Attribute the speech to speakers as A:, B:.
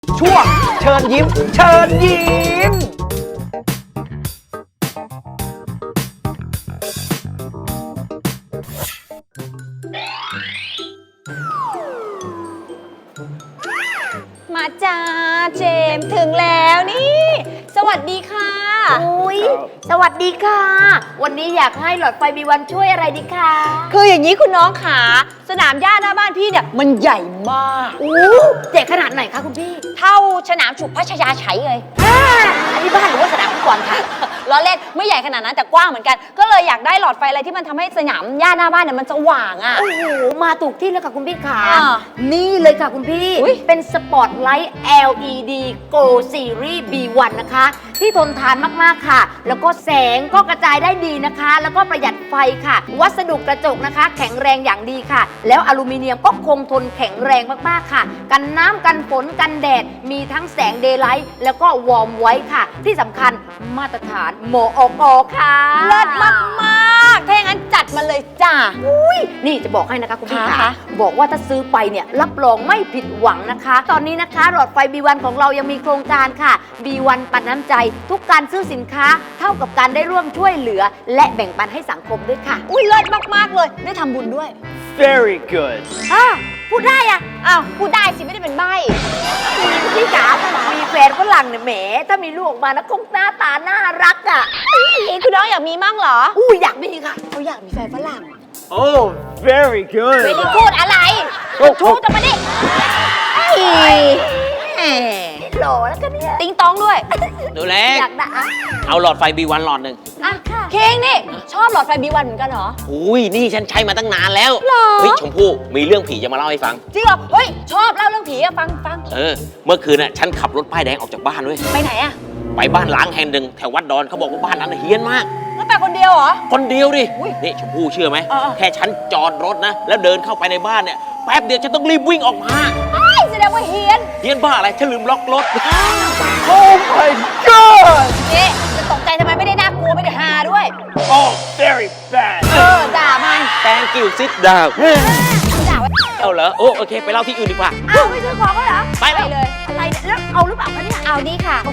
A: ช่วงเชิญยิ้ม เชิญยิ้ม
B: มาจ้าเจมส์ถึงแล้วนี่ สวัสดีค่ะ
C: อุ้ยสวัสดีค่ะ วันนี้อยากให้หลอดไฟบีวันช่วยอะไรดีคะ
B: คืออย่างนี้คุณน้องขาสนามหญ้าหน้าบ้านพี่เนี่ยมันใหญ่มาก
C: เจ๋งขนาดไหนคะคุณพี่
B: เท่าสนามฉุกพัชยาไฉเลย
C: อันนี้บ้านหรือว่าสนามฟุตบอลคะ
B: ล้อเล่นไม่ใหญ่ขนาดนั้นแต่กว้างเหมือนกัน ก็เลยอยากได้หลอดไฟอะไรที่มันทำให้สนามหญ้าหน้าบ้านเนี่ยมันสว่างอ่ะ
C: โอ้โหมาถูกที่แล้วค่ะคุณพี่ขา
B: อ่า
C: นี่เลยค่ะคุณพี่
B: อุ๊ย
C: เป็นสปอตไลท์ LED Go Series B1 นะคะ ที่ทนทานมากๆค่ะ แล้วก็แสงก็กระจายได้ดีนะคะ แล้วก็ประหยัดไฟค่ะ วัสดุกระจกนะคะ แข็งแรงอย่างดีค่ะ แล้วอลูมิเนียมก็คงทนแข็งแรงมากๆค่ะ กันน้ำกันฝนกันแดด มีทั้งแสงเดย์ไลท์แล้วก็วอร์มไว้ค่ะ ที่สำคัญมาตรฐานมอกค่ะ
B: เลิศมากๆถ้าอย่างนั้นจัดมาเลยจ้า
C: นี่จะบอกให้นะคะคุณพี่
B: ค่ะ
C: ค่ะบอกว่าถ้าซื้อไปเนี่ยรับรองไม่ผิดหวังนะคะ ตอนนี้นะคะหลอดไฟ B1 ของเรายังมีโครงการค่ะ B1 ปันน้ำใจ ทุกการซื้อสินค้าเท่ากับการได้ร่วมช่วยเหลือ และแบ่งปันให้สังคมด้วยค่ะ
B: อุ้ยเลิศมากๆเลยได้ทำบุญด้วย
A: very good
C: พูดได้อะ
B: อ้าวพูดได้สิไม่ได้เป็นใบ้
C: พี่จ๋ามีแฟนฝรั่งเนี่ยแหมถ้ามีลูกออกมานะคงหน้าตาน่ารักอ่ะ
B: คุณน้องอยากมีมั่งเหรอ
C: อยากมีค่ะ
B: เขาอยากมีแฟนฝรั่ง
A: oh very good
B: ไม่ได้พูดอะไรชูจะมาดิแหม
C: หล่อแล้วกันเนี่ย
B: ติ้งต้องด้วย
D: หนูเล็ก
C: อยากได้อะ
D: เอาหลอดไฟ B1 หลอดหนึ่ง
B: อ่ะเค้งนี่ ชอบหลอดไฟบีวันเหมือนกันเหรอ
D: อุ้ยนี่ฉันใช้มาตั้งนานแล้ว
B: หรอ
D: เฮ้ยชมพู่มีเรื่องผีจะมาเล่าให้ฟัง
B: จริงเหรอ เฮ้ย ชอบเล่าเรื่องผีอะฟัง
D: เมื่อคืนน่ะฉันขับรถป้ายแดงออกจากบ้านด้วย
B: ไปไหนอะ
D: ไปบ้านล้างแห่งหนึ่งแถววัดดอนเขาบอกว่าบ้านนั้นนะเฮี้ยนมาก
B: แล้วไปคนเดียวเหรอ
D: คนเดียวดิ
B: อุ๊ย
D: นี่ชมพู่เชื่อไหม
B: เออ
D: แค่ฉันจอดรถนะ แล้วเดินเข้าไปในบ้านเนี่ยแป๊บเดียวฉันต้องรีบวิ่งออกมา
B: ไอ้แสดงว่าเฮียน
D: เฮี้ยนบ้าอะไรฉันลืมล็อกรถ
A: oh my god
B: นี่จะตกใจทำไมไม่ได้น่ากลัวไม่ได้ฮาด้วย
A: oh very bad
B: ด่ามัน
D: Thank you sit down
B: ด่าไว้
D: เอาเหรอโอเคไปเล่าที่อื่นดีกว่า
C: อ้าวไม่ซื้อของก็เหรอ
D: ไปแล้ว
B: เลย
C: อะไรเนี่ยแล้วเอาหรือเปล่าคะเนี่ย
B: เอาดีค่ะ